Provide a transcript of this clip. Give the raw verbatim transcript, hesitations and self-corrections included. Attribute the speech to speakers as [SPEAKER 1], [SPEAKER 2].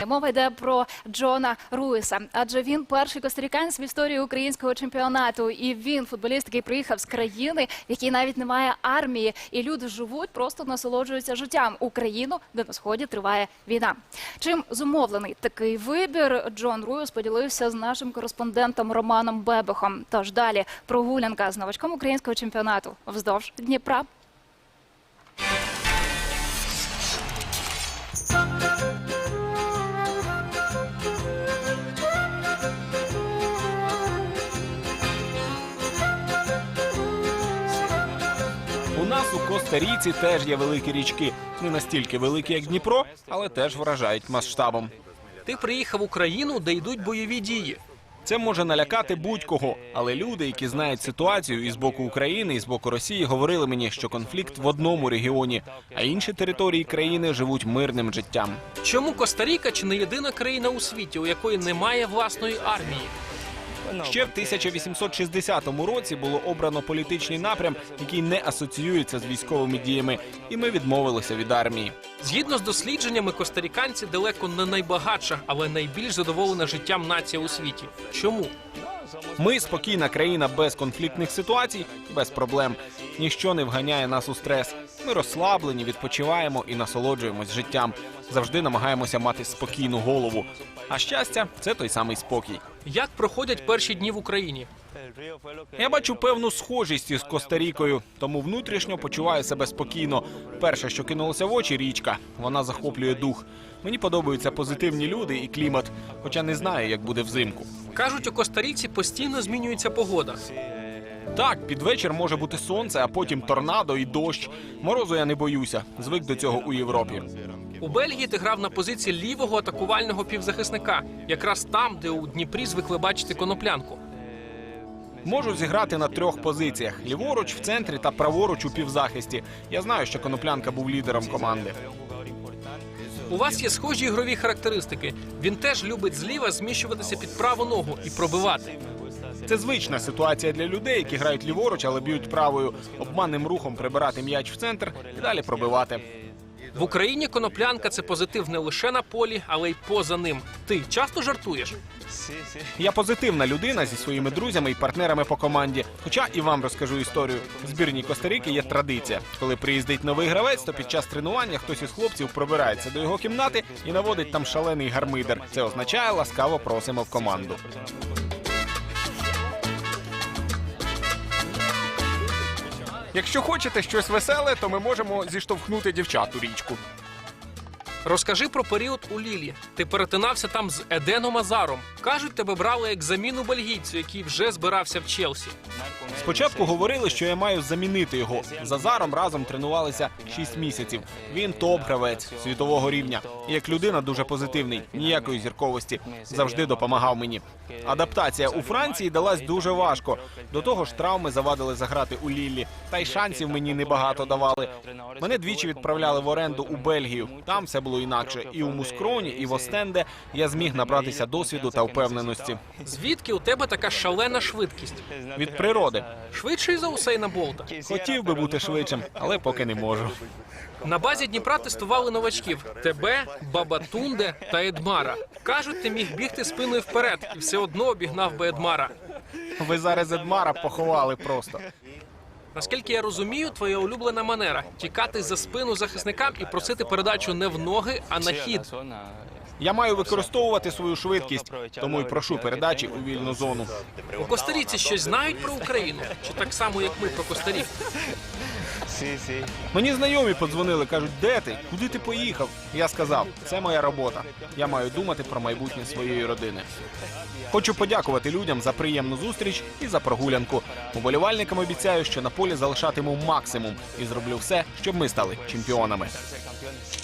[SPEAKER 1] Мова йде про Джона Руїса, адже він перший костариканець в історії українського чемпіонату. І він футболіст, який приїхав з країни, в якій навіть немає армії. І люди живуть, просто насолоджуються життям. Україну, де на Сході триває війна. Чим зумовлений такий вибір, Джон Руїс поділився з нашим кореспондентом Романом Бебехом. Тож далі прогулянка з новачком українського чемпіонату вздовж Дніпра.
[SPEAKER 2] У нас у Коста-Ріці теж є великі річки. Не настільки великі, як Дніпро, але теж вражають масштабом.
[SPEAKER 3] Ти приїхав в Україну, де йдуть бойові дії.
[SPEAKER 2] Це може налякати будь-кого, але люди, які знають ситуацію і з боку України, і з боку Росії, говорили мені, що конфлікт в одному регіоні, а інші території країни живуть мирним життям.
[SPEAKER 3] Чому Коста-Ріка чи не єдина країна у світі, у якої немає власної армії?
[SPEAKER 2] Ще в тисяча вісімсот шістдесятому році було обрано політичний напрям, який не асоціюється з військовими діями, і ми відмовилися від армії.
[SPEAKER 3] Згідно з дослідженнями, костариканці далеко не найбагатша, але найбільш задоволена життям нація у світі. Чому?
[SPEAKER 2] Ми спокійна країна без конфліктних ситуацій і без проблем. Ніщо не вганяє нас у стрес. Ми розслаблені, відпочиваємо і насолоджуємось життям. Завжди намагаємося мати спокійну голову. А щастя – це той самий спокій.
[SPEAKER 3] Як проходять перші дні в Україні?
[SPEAKER 2] Я бачу певну схожість із Коста-Рікою, тому внутрішньо почуваю себе спокійно. Перше, що кинулося в очі – річка. Вона захоплює дух. Мені подобаються позитивні люди і клімат, хоча не знаю, як буде взимку.
[SPEAKER 3] Кажуть, у Коста-Ріці постійно змінюється погода.
[SPEAKER 2] Так, під вечір може бути сонце, а потім торнадо і дощ. Морозу я не боюся, звик до цього у Європі.
[SPEAKER 3] У Бельгії ти грав на позиції лівого атакувального півзахисника, якраз там, де у Дніпрі звикли бачити Коноплянку.
[SPEAKER 2] Можу зіграти на трьох позиціях – ліворуч, в центрі та праворуч у півзахисті. Я знаю, що Коноплянка був лідером команди.
[SPEAKER 3] У вас є схожі ігрові характеристики. Він теж любить зліва зміщуватися під праву ногу і пробивати.
[SPEAKER 2] Це звична ситуація для людей, які грають ліворуч, але б'ють правою, обманним рухом прибирати м'яч в центр і далі пробивати.
[SPEAKER 3] В Україні Коноплянка – це позитив не лише на полі, але й поза ним. Ти часто жартуєш?
[SPEAKER 2] Я позитивна людина зі своїми друзями і партнерами по команді. Хоча і вам розкажу історію. В збірній Коста-Ріки є традиція. Коли приїздить новий гравець, то під час тренування хтось із хлопців пробирається до його кімнати і наводить там шалений гармидер. Це означає «ласкаво просимо в команду». Якщо хочете щось веселе, то ми можемо зіштовхнути дівчат у річку.
[SPEAKER 3] Розкажи про період у Лілі. Ти перетинався там з Еденом Азаром. Кажуть, тебе брали як заміну бельгійцю, який вже збирався в Челсі.
[SPEAKER 2] Спочатку говорили, що я маю замінити його. З Азаром разом тренувалися шість місяців. Він топ-гравець світового рівня. І як людина дуже позитивний, ніякої зірковості. Завжди допомагав мені. Адаптація у Франції далась дуже важко. До того ж, травми завадили заграти у Ліллі. Та й шансів мені небагато давали. Мене двічі відправляли в оренду у Бельгію. Там все було інакше. І у Мускроні, і в Остенде я зміг набратися досвіду та впевненості.
[SPEAKER 3] Звідки у тебе така шалена швидкість?
[SPEAKER 2] Від природи.
[SPEAKER 3] Швидший за Усейна Болта?
[SPEAKER 2] Хотів би бути швидшим, але поки не можу.
[SPEAKER 3] На базі Дніпра тестували новачків – тебе, Бабатунде та Едмара. Кажуть, ти міг бігти спиною вперед і все одно обігнав би Едмара.
[SPEAKER 2] Ви зараз Едмара поховали просто.
[SPEAKER 3] Наскільки я розумію, твоя улюблена манера – тікати за спину захисникам і просити передачу не в ноги, а на хід.
[SPEAKER 2] Я маю використовувати свою швидкість, тому й прошу передачі у вільну зону.
[SPEAKER 3] У Коста-Ріці щось знають про Україну? Чи так само, як ми про Коста-Ріку?
[SPEAKER 2] Мені знайомі подзвонили, кажуть, де ти? Куди ти поїхав? Я сказав, це моя робота. Я маю думати про майбутнє своєї родини. Хочу подякувати людям за приємну зустріч і за прогулянку. Уболівальникам обіцяю, що на полі залишатиму максимум і зроблю все, щоб ми стали чемпіонами.